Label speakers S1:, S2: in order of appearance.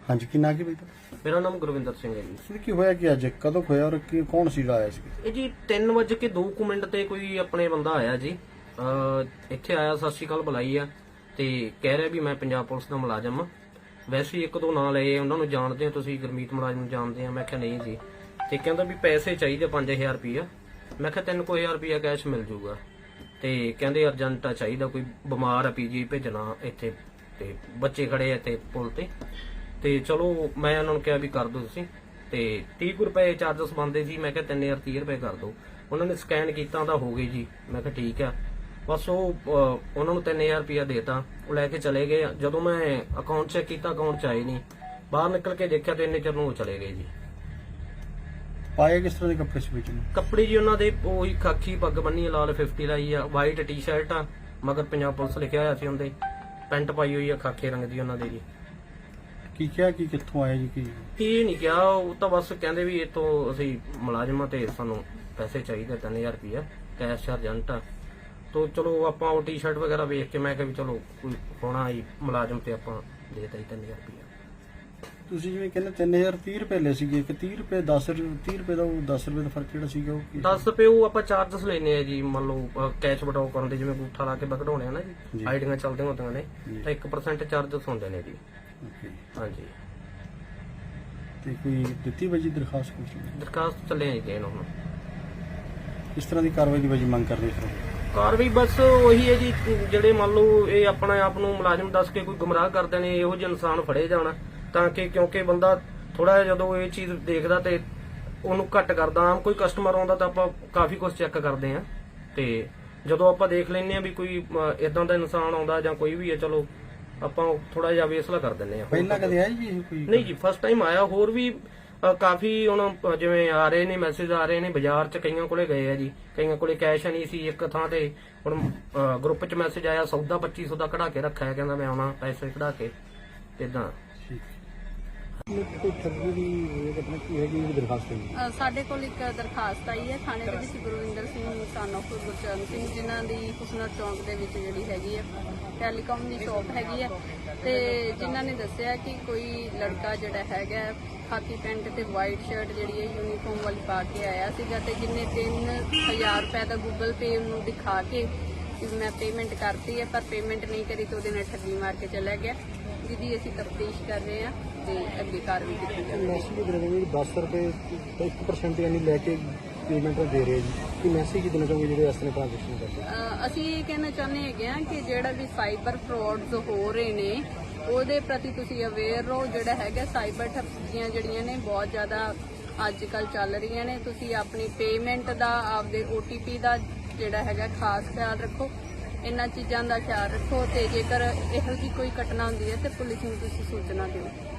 S1: हाँ जी, की ना की भाई
S2: ਮੇਰਾ ਨਾਮ ਗੁਰਵਿੰਦਰ ਸਿੰਘ ਹੈ ਜੀ।
S1: की होया कि अज कदों होया और की कौन सी आया सी?
S2: ਇਹ ਜੀ 3:02 ਤੇ ਕੋਈ ਆਪਣੇ ਬੰਦਾ ਆਇਆ ਜੀ, ਇੱਥੇ ਆਇਆ, ਸਤਿ ਸ਼੍ਰੀ ਅਕਾਲ ਬੁਲਾਈ ਆ ਤੇ ਕਹਿ ਰਿਹਾ ਵੀ ਮੈਂ ਪੰਜਾਬ ਪੁਲਿਸ ਦਾ ਮੁਲਾਜ਼ਮ ਆ। ਵੈਸੇ ਹੀ ਇੱਕ ਦੋ ਨਾਂ ਲਏ, ਉਹਨਾਂ ਨੂੰ ਜਾਣਦੇ ਆ ਤੁਸੀਂ, ਗੁਰਮੀਤ ਮੁਲਾਜ਼ਮ ਨੂੰ ਜਾਣਦੇ ਆ। ਮੈਂ ਕਿਹਾ ਨਹੀਂ ਜੀ। ਤੇ ਕਹਿੰਦਾ ਵੀ ਪੈਸੇ ਚਾਹੀਦੇ 5000 ਰੁਪਇਆ। ਮੈਂ ਕਿਹਾ 3000 ਰੁਪਇਆ ਕੈਸ਼ ਮਿਲ ਜੂਗਾ। ਤੇ ਕਹਿੰਦੇ ਅਰਜੈਂਟ ਚਾਹੀਦਾ, ਕੋਈ ਬਿਮਾਰ ਆ, ਪੀਜੀ ਭੇਜਣਾ ਇੱਥੇ, ਤੇ ਬੱਚੇ ਖੜੇ ਆ ਇੱਥੇ ਪੁਲ ਤੇ ਚਲੋ ਮੈਂ ਉਹਨਾਂ ਨੂੰ ਕਿਹਾ ਵੀ ਕਰ ਦਿਓ ਤੁਸੀਂ। ਤੇ 30 ਰੁਪਏ ਚਾਰਜਸ ਬਣਦੇ ਸੀ। ਮੈਂ ਕਿਹਾ 3030 ਰੁਪਏ ਕਰ ਦਿਓ। ਉਹਨਾਂ ਨੇ ਸਕੈਨ ਕੀਤਾ ਤਾਂ ਹੋ ਗਈ ਜੀ। ਮੈਂ ਕਿਹਾ ਠੀਕ ਆ। ਬਸ ਉਹ ਉਹਨਾਂ ਨੂੰ 3000 ਰੁਪਇਆ ਦੇਤਾ, ਉਹ ਲੈ ਕੇ ਚਲੇ ਗਏ। ਜਦੋਂ ਮੈਂ ਅਕਾਊਂਟ ਚੈੱਕ ਕੀਤਾ, ਅਕਾਊਂਟ ਚ ਆਏ ਨਹੀਂ। ਬਾਹਰ ਨਿਕਲ ਕੇ ਦੇਖਿਆ ਤੇ ਇੰਨੇ ਚਿਰ ਨੂੰ ਉਹ ਚਲੇ ਗਏ ਜੀ।
S1: पाए किस तरह के कपड़े से बेचने?
S2: ਕੱਪੜੇ ਜੀ ਉਹਨਾਂ ਦੇ ਉਹੀ ਖਾਕੀ ਪੱਗ ਬੰਨੀ ਆ, ਲਾਲ 50 ਲਾਈ ਆ, ਵਾਈਟ ਟੀ-ਸ਼ਰਟ ਆ, ਮਗਰ ਪੰਜਾਬ ਪੁਲਿਸ ਲਿਖਿਆ ਹੋਇਆ ਸੀ ਉਹਦੇ, ਪੈਂਟ ਪਾਈ ਹੋਈ ਆ ਖਾਕੇ ਰੰਗ ਦੀ ਉਹਨਾਂ ਦੇ ਜੀ।
S1: की क्या की कित्थों आया जी की?
S2: ਕੀ ਨਹੀਂ ਕਿਹਾ, ਉਹ ਤਾਂ ਬਸ ਕਹਿੰਦੇ ਵੀ ਇਹ ਤੋਂ ਅਸੀਂ ਮੁਲਾਜ਼ਮਾਂ ਤੇ ਸਾਨੂੰ ਪੈਸੇ ਚਾਹੀਦੇ 3000 ਰੁਪਇਆ ਕੈਸ਼ ਅਰਜੈਂਟ ਆ। ਤੋ ਚਲੋ ਆਪਾਂ ਉਹ ਟੀ-ਸ਼ਰਟ ਵਗੈਰਾ ਵੇਖ ਕੇ ਮੈਂ ਕਿਹਾ ਵੀ ਚਲੋ ਕੋਈ ਹੋਣਾ ਹੀ ਮੁਲਾਜ਼ਮ ਤੇ ਆਪਾਂ ਦੇਤਾ ਹੀ 3000 ਰੁਪਇਆ।
S1: ਤੁਸੀਂ ਜਿਵੇਂ ਕਹਿੰਦੇ 3000 30 ਰੁਪਏ ਲੈ ਸੀਗੇ, ਕਿ 30 ਰੁਪਏ 10 30 ਰੁਪਏ ਦਾ ਉਹ 10 ਰੁਪਏ ਦਾ ਫਰਕ ਜਿਹੜਾ ਸੀਗਾ ਉਹ ਕੀ?
S2: 10 ਰੁਪਏ ਉਹ ਆਪਾਂ ਚਾਰਜਸ ਲੈਨੇ ਆ ਜੀ। ਮੰਨ ਲਓ ਕੈਸ਼ ਵਟਾਓ ਕਰਨ ਦੇ, ਜਿਵੇਂ ਅੰਗੂਠਾ ਲਾ ਕੇ ਕਢਾਉਣੇ ਆ ਨਾ ਜੀ, ਆਈਡੀਆਂ ਚੱਲਦੀਆਂ ਹੁੰਦੀਆਂ ਨੇ, ਤਾਂ 1% ਚਾਰਜਸ ਹੁੰਦੇ ਨੇ ਜੀ।
S1: ਓਕੇ।
S2: ਹਾਂਜੀ,
S1: ਤੇ ਕੋਈ ਦਿੱਤੀ ਵਜੀ ਦਰਖਾਸਤ ਕੁਛ?
S2: ਦਰਖਾਸਤ ਚੱਲੇ ਆ ਜੀ ਹੁਣ।
S1: ਇਸ ਤਰ੍ਹਾਂ ਦੀ ਕਾਰਵਾਈ ਦੀ ਵਜੀ ਮੰਗ ਕਰਦੇ ਸਰ?
S2: ਕਾਰਵਾਈ ਬਸ ਉਹੀ ਹੈ ਜੀ, ਜਿਹੜੇ ਮੰਨ ਲਓ ਇਹ ਆਪਣੇ ਆਪ ਨੂੰ ਮੁਲਾਜ਼ਮ ਦੱਸ ਕੇ ਕੋਈ ਗੁੰਮਰਾਹ ਕਰਦੇ ਨੇ, ਇਹੋ ਜਿਹੇ ਇਨਸਾਨ ਫੜੇ ਜਾਣ, ਤਾਂ ਕਿ ਕਿਉਂਕਿ ਬੰਦਾ ਥੋੜਾ ਜਿਹਾ ਜਦੋਂ ਇਹ ਚੀਜ਼ ਦੇਖਦਾ ਤੇ ਉਹਨੂੰ ਘੱਟ ਕਰਦਾ। ਆਮ ਕੋਈ ਕਸਟਮਰ ਆਉਂਦਾ ਤਾਂ ਆਪਾਂ ਕਾਫੀ ਕੁਝ ਚੈੱਕ ਕਰਦੇ ਆ, ਤੇ ਜਦੋਂ ਆਪਾਂ ਦੇਖ ਲੈਂਦੇ ਆ ਵੀ ਕੋਈ ਇਦਾਂ ਦਾ ਇਨਸਾਨ ਆਉਂਦਾ ਜਾਂ ਕੋਈ ਵੀ ਹੈ, ਚਲੋ ਆਪਾਂ ਥੋੜਾ ਜਿਹਾ ਵੇਸਲਾ ਕਰ ਦਿੰਦੇ ਆ।
S1: ਪਹਿਲਾਂ ਕਦੇ ਆਇਆ ਜੀ ਇਹ ਕੋਈ?
S2: ਨਹੀਂ ਜੀ, ਫਸਟ ਟਾਈਮ ਆਇਆ। ਹੋਰ ਵੀ ਕਾਫੀ ਹੁਣ ਜਿਵੇਂ ਆ ਰਹੇ ਨੇ, ਮੈਸੇਜ ਆ ਰਹੇ ਨੇ, ਬਾਜ਼ਾਰ 'ਚ ਕਈਆਂ ਕੋਲੇ ਗਏ ਆ ਜੀ, ਕਈਆਂ ਕੋਲੇ ਕੈਸ਼ ਨਹੀਂ ਸੀ ਇੱਕ ਥਾਂ ਤੇ। ਹੁਣ ਗਰੁੱਪ 'ਚ ਮੈਸੇਜ ਆਇਆ, ਸੌਦਾ 2500 ਦਾ ਕਢਾ ਕੇ ਰੱਖਿਆ, ਕਹਿੰਦਾ ਮੈਂ ਆਉਣਾ ਪੈਸੇ ਕਢਾ ਕੇ, ਇਦਾਂ।
S1: ਕੋਈ ਠੱਗੀ ਦੀ ਘਟਨਾ ਕੀ ਹੈਗੀ ਜਿਹੜੀ ਦਰਖਾਸਤ ਹੈ?
S3: ਸਾਡੇ ਕੋਲ ਇੱਕ ਦਰਖਾਸਤ ਆਈ ਹੈ ਥਾਣੇ ਦੇ ਵਿੱਚ ਗੁਰਵਿੰਦਰ ਸਿੰਘ son of ਗੁਰਚਰਨ ਸਿੰਘ, ਜਿਨ੍ਹਾਂ ਦੀ ਹੁਸਨਰ ਚੌਂਕ ਦੇ ਵਿੱਚ ਜਿਹੜੀ ਹੈਗੀ ਹੈ ਟੈਲੀਕਾਮ ਦੀ ਸ਼ਾਪ ਹੈਗੀ ਹੈ, ਤੇ ਜਿਨ੍ਹਾਂ ਨੇ ਦੱਸਿਆ ਕਿ ਕੋਈ ਲੜਕਾ ਜਿਹੜਾ ਹੈਗਾ ਖਾਕੀ ਪੈਂਟ ਤੇ ਵਾਈਟ ਸ਼ਰਟ ਜਿਹੜੀ ਹੈ ਯੂਨੀਫਾਰਮ ਵਾਲੀ ਪਾ ਕੇ ਆਇਆ ਸੀਗਾ, ਤੇ ਜਿੰਨੇ 3000 ਰੁਪਏ ਦਾ ਗੂਗਲ ਪੇ ਉਹਨੂੰ ਦਿਖਾ ਕੇ ਕਿ ਮੈਂ ਪੇਮੈਂਟ ਕਰਤੀ ਹੈ, ਪਰ ਪੇਮੈਂਟ ਨਹੀਂ ਕਰੀ ਤੇ ਉਹਦੇ ਨਾਲ ਠੱਗੀ ਮਾਰ ਕੇ ਚਲਾ ਗਿਆ, ਜਿਹਦੀ ਅਸੀਂ ਤਫਤੀਸ਼ ਕਰ ਰਹੇ ਹਾਂ ਤੇ ਅੱਗੇ ਕਾਰਵਾਈ ਕੀਤੀ ਜਾਵੇਗੀ।
S1: ਮੈਸੇਜ ਦੇ ਰਹੇ 10 ਰੁਪਏ 1% ਯਾਨੀ ਲੈ ਕੇ ਪੇਮੈਂਟ ਦੇ ਰਹੇ ਜੀ, ਕਿ ਮੈਸੇਜ ਕੀ ਦੇਣਾ ਚਾਹੋਗੇ ਜਿਹੜੇ ਇਸ ਤਰ੍ਹਾਂ ਟ੍ਰਾਂਜੈਕਸ਼ਨ ਕਰਦੇ?
S3: ਅਸੀਂ ਇਹ ਕਹਿਣਾ ਚਾਹੁੰਦੇ ਹੈਗੇ ਹਾਂ ਕਿ ਜਿਹੜਾ ਵੀ ਸਾਈਬਰ ਫਰਾਡਸ ਹੋ ਰਹੇ ਨੇ ਉਹਦੇ ਪ੍ਰਤੀ ਤੁਸੀਂ ਅਵੇਅਰ ਰਹੋ। ਜਿਹੜਾ ਹੈਗਾ ਸਾਈਬਰ ਠੱਗੀਆਂ ਜਿਹੜੀਆਂ ਨੇ ਬਹੁਤ ਜ਼ਿਆਦਾ ਅੱਜ ਕੱਲ੍ਹ ਚੱਲ ਰਹੀਆਂ ਨੇ। ਤੁਸੀਂ ਆਪਣੀ ਪੇਮੈਂਟ ਦਾ, ਆਪਦੇ OTP ਦਾ ਜਿਹੜਾ ਹੈਗਾ ਖਾਸ ਖਿਆਲ ਰੱਖੋ, ਇਹਨਾਂ ਚੀਜ਼ਾਂ ਦਾ ਖਿਆਲ ਰੱਖੋ, ਤੇ ਜੇਕਰ ਇਹੋ ਜਿਹੀ ਕੋਈ ਘਟਨਾ ਹੁੰਦੀ ਹੈ ਤੇ ਪੁਲਿਸ ਨੂੰ ਤੁਸੀਂ ਸੂਚਨਾ ਦਿਓ।